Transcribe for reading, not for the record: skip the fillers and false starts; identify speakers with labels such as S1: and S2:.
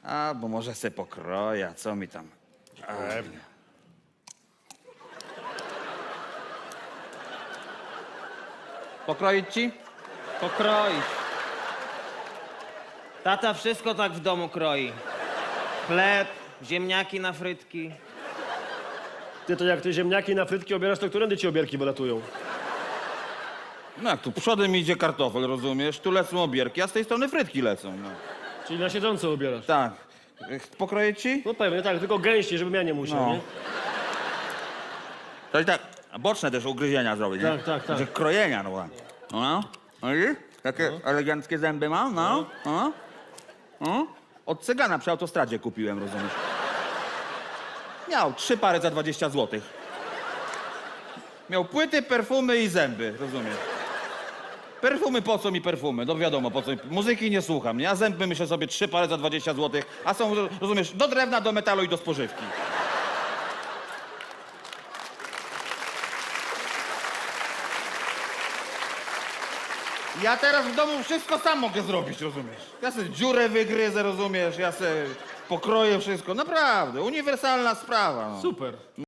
S1: Albo może se pokroję, co mi tam.
S2: Pewnie.
S1: Pokroić ci?
S3: Pokroić. Tata wszystko tak w domu kroi. Chleb, ziemniaki na frytki.
S2: Ty to jak te ziemniaki na frytki obierasz, to którędy ci obierki wylatują?
S1: No jak tu przodem idzie kartofel, rozumiesz? Tu lecą obierki, a z tej strony frytki lecą. No.
S2: Czyli na siedząco obierasz.
S1: Tak. Pokroję ci?
S2: No pewnie, tak, tylko gęściej, żebym ja nie musiał,
S1: No.
S2: nie?
S1: To i tak, boczne też ugryzienia zrobić, nie?
S2: Tak, tak, tak.
S1: Że krojenia, no ładnie. No. Widzisz? Takie eleganckie zęby mam, no. No. No. Od cygana przy autostradzie kupiłem, rozumiesz? Miał 3 pary za 20 zł. Miał płyty, perfumy i zęby, rozumiesz? Perfumy, po co mi perfumy? No wiadomo, po co mi. Muzyki nie słucham, nie? A zęby myślę sobie 3 pary za 20 zł, a są, rozumiesz, do drewna, do metalu i do spożywki. Ja teraz w domu wszystko sam mogę zrobić, rozumiesz? Ja sobie dziurę wygryzę, rozumiesz? Ja sobie pokroję wszystko. Naprawdę, uniwersalna sprawa. No.
S2: Super.